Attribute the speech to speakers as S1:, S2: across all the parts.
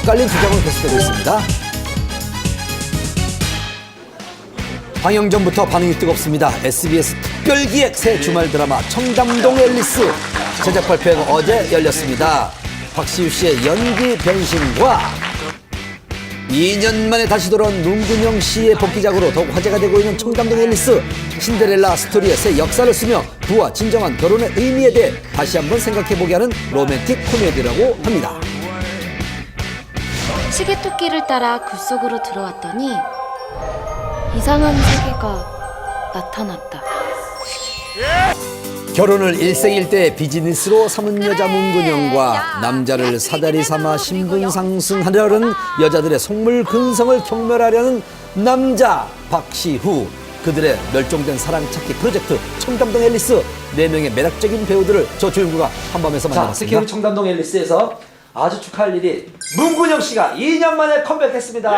S1: 엇갈린 주장은 계속되고 있습니다. 방영 전부터 반응이 뜨겁습니다. SBS 특별기획 새 주말 드라마 청담동 앨리스 제작 발표회가 어제 열렸습니다. 박시우 씨의 연기 변신과 2년 만에 다시 돌아온 문근영 씨의 복귀작으로 더욱 화제가 되고 있는 청담동 앨리스 신데렐라 스토리의 새 역사를 쓰며 부와 진정한 결혼의 의미에 대해 다시 한번 생각해보게 하는 로맨틱 코미디라고 합니다.
S2: 시계토끼를 따라 굴 속으로 들어왔더니 이상한 세계가 나타났다.
S1: 결혼을 일생일대 비즈니스로 삼은 여자 문근영과 남자를 사다리 삼아 신분 상승하려는 여자들의 속물 근성을 경멸하려는 남자 박시후, 그들의 멸종된 사랑 찾기 프로젝트 청담동 앨리스, 4명의 매력적인 배우들을 저 조용구가 한밤에서 만나봤습니다. 특히 우리 청담동 앨리스에서 아주 축하할 일이 문근영 씨가 2년 만에 컴백했습니다.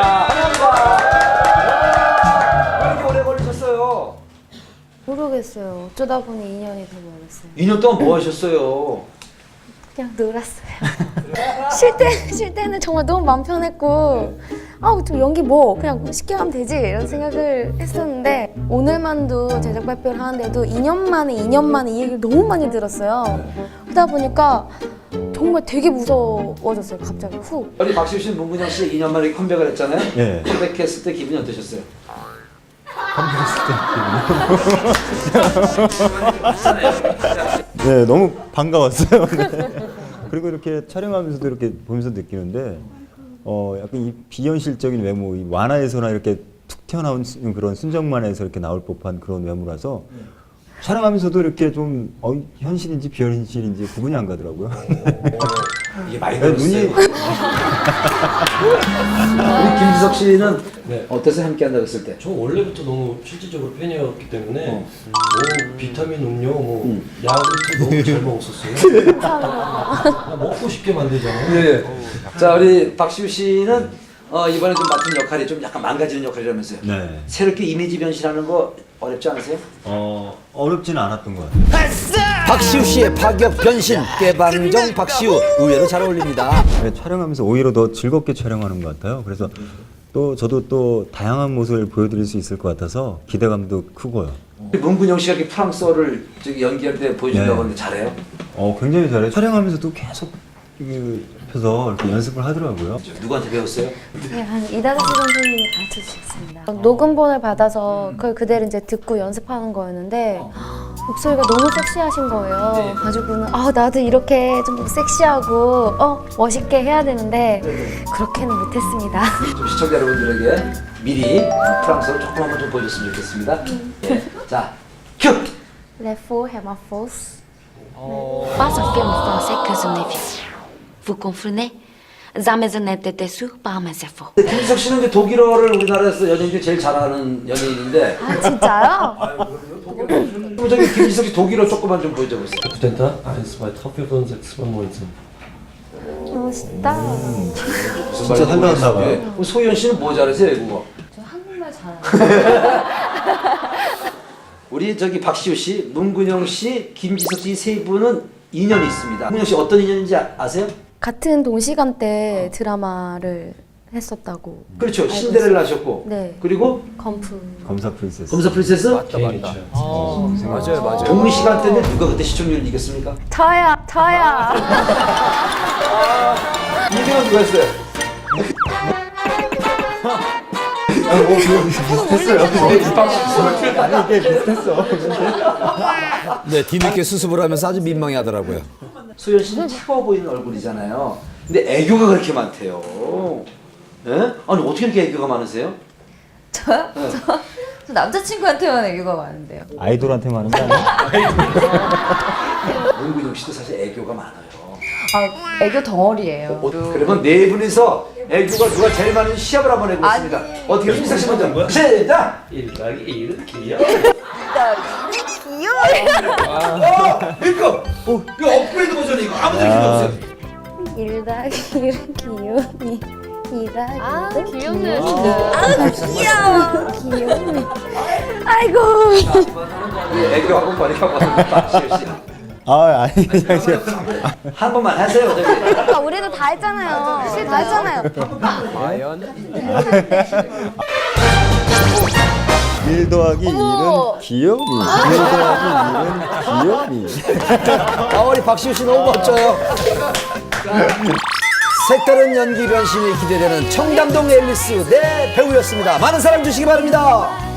S1: 환영합니다. 왜 이렇게 오래 걸리셨어요?
S2: 모르겠어요. 어쩌다 보니 2년이 돼버렸어요.
S1: 2년 동안 뭐 하셨어요?
S2: 그냥 놀았어요. 쉴 때는 정말 너무 마음 편했고 좀 연기 뭐 그냥 쉽게 하면 되지 이런 생각을 했었는데 오늘만도 제작 발표를 하는데도 2년 만에 이 얘기를 너무 많이 들었어요. 그러다 보니까 정말 되게 무서워졌어요. 갑자기 훅.
S1: 우리 박시우 씨는 문근영 씨 2년 만에 컴백을 했잖아요.
S3: 예.
S1: 컴백했을 때 기분이 어떠셨어요?
S3: 네, 너무 반가웠어요. 네. 그리고 이렇게 촬영하면서도 이렇게 보면서 느끼는데, 약간 이 비현실적인 외모, 이 만화에서나 이렇게 툭 튀어나온 그런 순정만화에서 이렇게 나올 법한 그런 외모라서 촬영하면서도 이렇게 좀 현실인지 비현실인지 구분이 안 가더라고요.
S1: 이게 많이
S3: 네,
S1: 들었어요.
S3: 눈이
S1: 우리 김지석 씨는
S4: 네.
S1: 어땠어요? 함께 한다고 했을 때?
S4: 저 원래부터 너무 실질적으로 팬이었기 때문에 뭐 비타민 음료, 야구르트 너무 잘 먹었었어요. 그냥 먹고 싶게 만들잖아요.
S1: 예. 자, 우리 박시우 씨는 이번에 좀 맡은 역할이 좀 약간 망가지는 역할이라면서요.
S3: 네.
S1: 새롭게 이미지 변신하는 거 어렵지 않으세요?
S3: 어렵지는 않았던 것 같아요.
S1: 박시우 씨의 파격 변신, 깨방정 박시우 의외로 잘 어울립니다.
S3: 네, 촬영하면서 오히려 더 즐겁게 촬영하는 것 같아요. 그래서 또 저도 또 다양한 모습을 보여드릴 수 있을 것 같아서 기대감도 크고요.
S1: 문근영 씨가 이렇게 프랑스어를 연기할 때 보여준다고
S3: 네.
S1: 하는데 잘해요?
S3: 굉장히 잘해요. 촬영하면서도 계속 옆에서 이렇게 연습을 하더라고요.
S1: 누구한테 배웠어요?
S2: 네, 한 이다지 선생님이 가르쳐주셨습니다. 녹음본을 받아서 그걸 그대로 이제 듣고 연습하는 거였는데 목소리가 너무 섹시하신 거예요. 가지고는 나도 이렇게 좀 섹시하고 멋있게 해야 되는데 그렇게는 못했습니다.
S1: 좀 시청자 여러분들에게 미리 프랑스어를 조금 한번 좀 보여줬으면 좋겠습니다. 예. 자, 큐!
S2: Les faux hémophages. Pas un film français que je n'ai vu. Vous comprenez? Jamais je n'ai été déçu par mes efforts.
S1: 김지석 씨는 이제 독일어를 우리나라에서 연예인 중에 제일 잘하는 연예인인데
S2: 진짜요?
S1: 그럼 저기 김지석 씨 독일어 조금만 좀 보여줘 보세요.
S4: Studenta 1, 2, 3, 4, 5, 6, 7, 8, 9.
S2: 멋있다.
S3: 진짜 살려놨나 봐요.
S1: 예. 그럼 소희연 씨는 뭐 잘하세요, 외국어?
S2: 저 한국말 잘해요.
S1: 우리 저기 박시우 씨, 문근영 씨, 김지석 씨 세 분은 인연이 있습니다. 문근영 씨 어떤 인연인지 아세요?
S2: 같은 동시간대 드라마를 했었다고.
S1: 그렇죠.
S2: 알고
S1: 신데렐라 하셨고.
S2: 네.
S1: 그리고
S2: 건프.
S3: 검사 프린세스.
S1: 검사 프린세스?
S4: 개인 있죠.
S5: 맞아요.
S1: 동시간대인데 누가 그때 시청률을 이겼습니까?
S2: 저요.
S1: 이등은 누가 했어요?
S3: 아니 이게 비슷했어.
S1: 네, 뒤늦게 수습을 하면서 아주 민망해하더라고요. 소연 씨는 차가워 보이는 얼굴이잖아요. 근데 애교가 그렇게 많대요. 예? 아니 어떻게 이렇게 애교가 많으세요?
S6: 저요? 저 남자친구한테만 애교가 많은데요.
S3: 아이돌한테만 하는 거 아니야?
S1: 문근영 씨도 사실 애교가 많아요.
S6: 애교 덩어리예요.
S1: 그러면 네 분이서 애교가 누가 제일 많은 시합을 한번 해보겠습니다.
S6: 아니.
S1: 어떻게 김지석 씨 먼저 시작!
S4: 1 더하기 1은 기야.
S1: 이거 업그레이드 버전이 이거 아무도 필요 없어요.
S2: 1 더하기 1은 귀요미. 2 더하기 1은
S6: 귀엽네,
S2: 진짜. 귀요미. 아이고.
S1: 애교 학원 많이 가봤는데 박시우 씨.
S3: 아니 그냥 제가
S1: 한 번만 하세요. 저기.
S2: 그러니까 우리도 다 했잖아요. 다 했잖아요.
S3: 1 더하기
S2: 어머.
S3: 1은 귀요미. 1 더하기 1은 귀요미.
S1: 아, 우리 박시우 씨 너무 멋져요. 색다른 연기 변신이 기대되는 청담동 앨리스 네 배우였습니다. 많은 사랑 주시기 바랍니다.